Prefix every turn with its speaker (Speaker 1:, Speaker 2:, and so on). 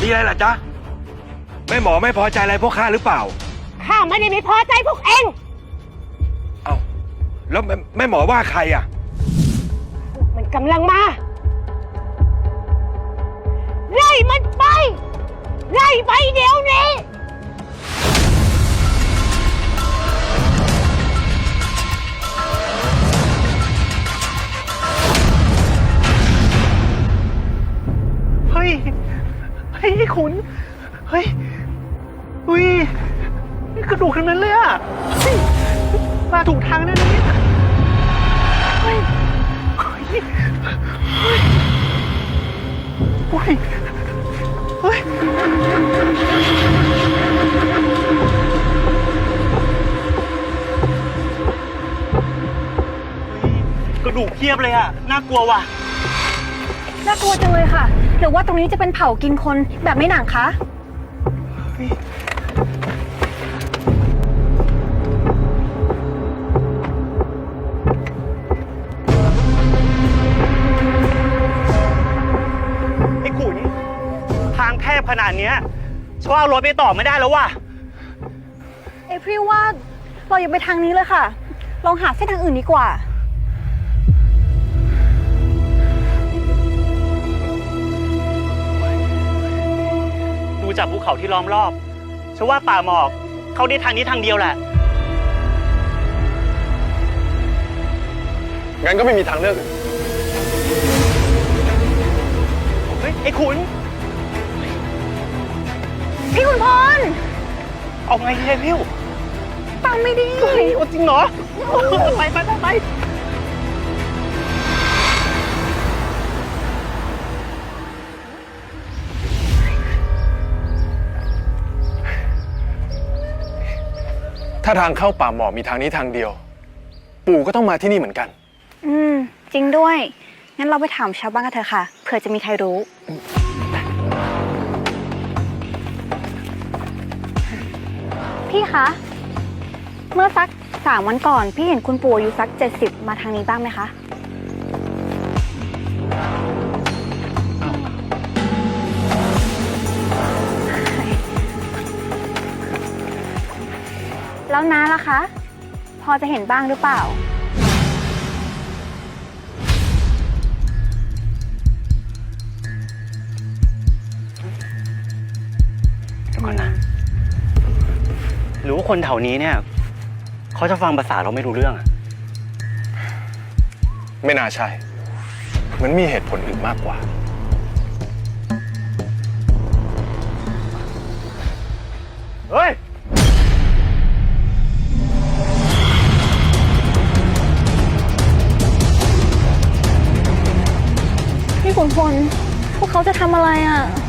Speaker 1: มีอะไรล่ะจ๊ะแม่หมอไม่พอใจอะไรพวกข้าหรือเปล่า
Speaker 2: ข้าไม่ได้ไม่พอใจพวกเอง
Speaker 1: เอ้าแล้วแม่หมอว่าใครอ่ะ
Speaker 2: มันกำลังมาไล่มันไปไล่ไปเดี๋ยวนี้
Speaker 3: เฮ้ยขุนเฮ้ยอุ้ยนี่กระดูกทั้งนั้นเลยอะมาถูกทางแน่เลยเนี่ยเฮ้ยกระดูกเทียบเลยอะน่ากลัวว่ะ
Speaker 4: น่ากลัวจังเลยค่ะหรือว่าตรงนี้จะเป็นเผากินคนแบบไม่หนังคะ
Speaker 3: ไอ้ขุนทางแคบขนาดเนี้ยฉันว่าเอารถไปต่อไม่ได้แล้วว่ะ
Speaker 4: เอพริลว่าเราอย่าไปทางนี้เลยค่ะลองหาเส้นทางอื่นดีกว่า
Speaker 3: ดูจากภูเขาที่ล้อมรอบฉันว่าป่าหมอกเข้าได้ทางนี้ทางเดียวแหละ
Speaker 5: งั้นก็ไม่มีทางเลือกอื่น
Speaker 3: เฮ้ยไอ้ขุน
Speaker 4: พี่ขุนพล
Speaker 3: เอาไงเนี่ยพิ้ว
Speaker 4: ตามไม่ดี
Speaker 3: เฮ้ยจริงเหรอไป
Speaker 5: ถ้าทางเข้าป่าหมอกมีทางนี้ทางเดียว ปู่ก็ต้องมาที่นี่เหมือนกัน
Speaker 4: จริงด้วยงั้นเราไปถามชาวบ้านกันเถอะค่ะเผื่อจะมีใครรู้พี่คะเมื่อสัก3 วันก่อนพี่เห็นคุณปู่อายุสัก70มาทางนี้บ้างไหมคะแล้วน้าล่ะคะพอจะเห็นบ้างหรือเปล่า
Speaker 3: เดี๋ยวก่อนนะหรือว่าคนแถวนี้เนี่ยเขาจะฟังภาษาเราไม่รู้เรื่องอะ
Speaker 5: ไม่น่าใช่เหมือนมีเหตุผลอื่นมากกว่า
Speaker 3: เฮ้ย
Speaker 4: พี่ขุนพลพวกเขาจะทำอะไรอ่ะ